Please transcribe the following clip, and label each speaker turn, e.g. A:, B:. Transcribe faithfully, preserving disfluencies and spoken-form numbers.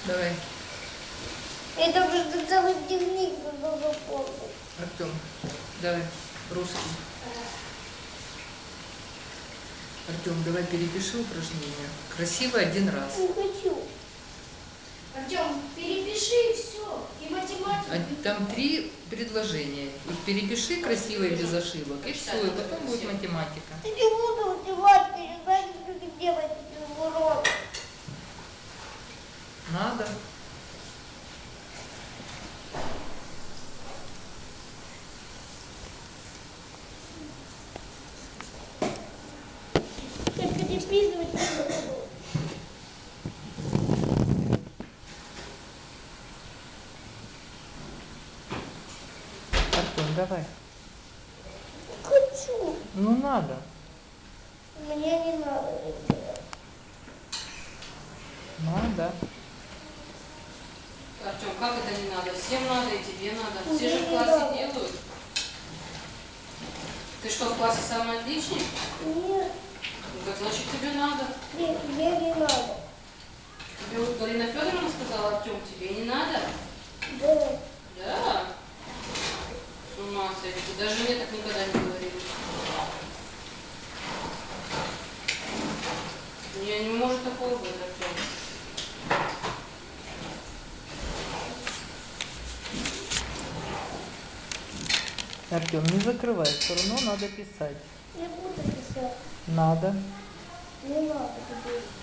A: Давай.
B: Это просто целый дневник нужно заполнить.
A: Артем, давай. Русский. Артем, давай перепиши упражнение. Красиво один раз.
B: Не хочу.
C: Артем, перепиши и все. И математику.
A: А там три предложения. Их перепиши красиво и без ошибок. И все, и потом будет математика.
B: Я не буду математику, я не знаю, как это делать без урок.
A: Надо.
B: Только переписывать не буду.
A: Артем, давай.
B: Хочу.
A: Ну надо.
B: Мне не надо это делать.
A: Надо.
D: Артем, как это не надо? Всем надо и тебе надо. Все
B: Мне
D: же в
B: не
D: классе
B: надо.
D: делают. Ты что, в классе самый отличник?
B: Нет,
D: Ну, так значит тебе надо.
B: нет, мне не надо.
D: Тебе вот Галина Федоровна сказала, Артем, тебе не надо?
B: Да.
D: Да? С ума сойти. Даже мне так никогда не говорили. Не, не может такого быть, Артем.
A: Артем, не закрывай, все равно надо писать.
B: Не буду писать.
A: Надо.
B: Не надо тебе.